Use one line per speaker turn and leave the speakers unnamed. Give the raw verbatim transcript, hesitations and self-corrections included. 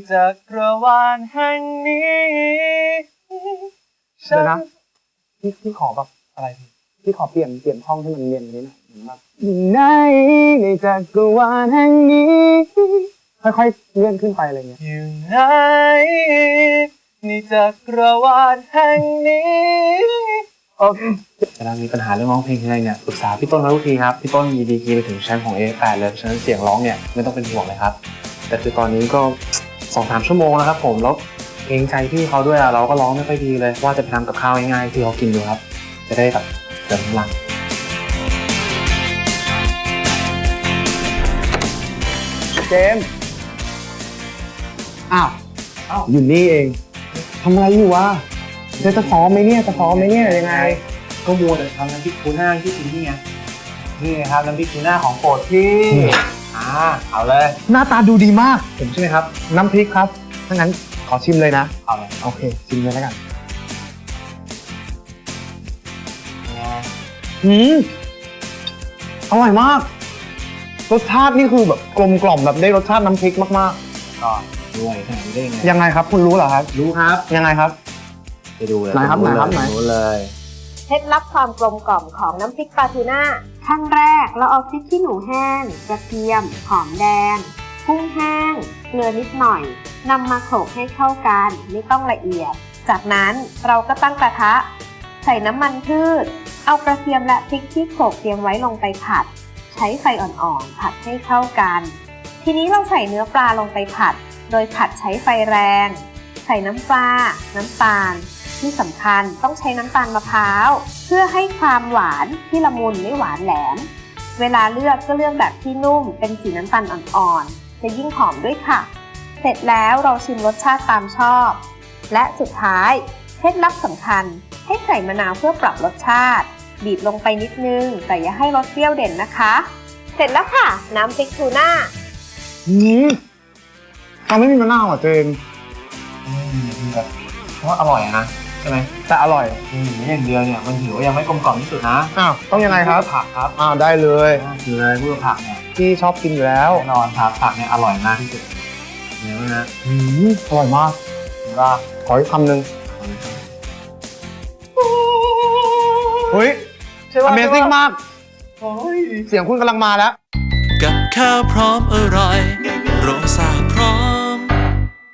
จักรวาลแห่งนี้เดี๋ยวนะพี่พี่ขอแบบอะไรพี่พี่ขอเปลี่ยนเปลี่ยนช่องให้มันเรียนนี้หน่อยแบบอยู่ไหนในจักรวาลแห่งนี้ค่อยๆเลื่อนขึ้นไปอะไรเงี้ยอยู่ไหนในจักรวาลแห่งนี้โอเคเวลามีปัญหาเรื่องร้องเพลงอะไรเนี่ยปรึกษาพี่ต้นมาทุกทีครับพี่ต้นมีดีกรีไปถึงแชมป์ของ เอ แปด เลยฉะนั้นเสียงร้องเนี่ยไม่ต้องเป็นห่วงเลยครับแต่คือตอนนี้ก็สองสามชั่วโมงแล้วครับผมแล้วเกรงใจพี่เขาด้วยอะเราก็ร้องไม่ค่อยดีเลยว่าจะไปทำกับข้าวง่ายๆที่เขากินดูครับจะได้แบบเสริมพลังเจมส์อ้าวอ้าวอยู่นี่เองทำอะไรอยู่วะจะจะซ้อมไหมเนี่ยจะซ้อมไหมเนี่ยยังไงก็มัวแต่ทำน้ำพริกทูน่าที่กินนี่ไงนี่ครับน้ำพริกทูน่าของโปรดพี่อ่าเอาเลยหน้าตาดูดีมากผมใช่ไหมครับน้ำพริกครับถ้างั้นขอชิมเลยนะเอาเลยโอเคชิมเลยแล้วกันอืมอร่อยมากรสชาตินี่คือแบบกลมกล่อมแบบได้รสชาติน้ำพริกมากๆก็ด้วยขนาดนี้ได้ยังไงยังไงครับคุณรู้เหรอครับรู้ครับยังไงครับไปดูเลยไหนครับไหนครับไหนรู้เลย
เคล็ดลับความกลมกล่อมของน้ำพริกปลาทูน่าขั้นแรกเราเอาพริกขี้หนูแห้งกระเทียมหอมแดงกุ้งแห้งเกลือนิดหน่อยนำมาโขลกให้เข้ากันไม่ต้องละเอียดจากนั้นเราก็ตั้งกระทะใส่น้ำมันพืชเอากระเทียมและพริกที่โขลกเตรียมไว้ลงไปผัดใช้ไฟอ่อนๆผัดให้เข้ากันทีนี้เราใส่เนื้อปลาลงไปผัดโดยผัดใช้ไฟแรงใส่น้ำปลาน้ำตาลที่สำคัญต้องใช้น้ำตาลมะพร้าวเพื่อให้ความหวานที่ละมุนไม่หวานแหลมเวลาเลือกก็เลือกแบบที่นุ่มเป็นสีน้ำตาลอ่อนๆจะยิ่งหอมด้วยค่ะเสร็จแล้วเราชิมรสชาติตามชอบและสุดท้ายเคล็ดลับสำคัญให้ใส่มะนาวเพื่อปรับรสชาติบีบลงไปนิดนึงแต่อย่าให้รสเปรี้ยวเด่นนะคะเสร็จแล้วค่ะน้ำพริกทูน่า
อืมทำไม่มีมะนาวอ่ะเจมอืมแบบเพราะว่าอร่อยนะใช่ไหมแต่อร่อยอืมอย่างเดียวเนี่ยมันถือว่ายังไม่กลมกล่อมที่สุดนะอ้าวต้องยังไงครับผักครับอ้าวได้เลยคืออะไรพูดผักเนี่ยที่ชอบกินอยู่แล้วแน่นอนครับผักเนี่ยอร่อยมากที่สุดเนื้อนะอืมอร่อยมากว่าขออีกคำหนึ่งเฮ้ย Amazing มากเสียงคุณกำลังมาแล้ว
กับข้าวพร้อมอร่อยโรซ่า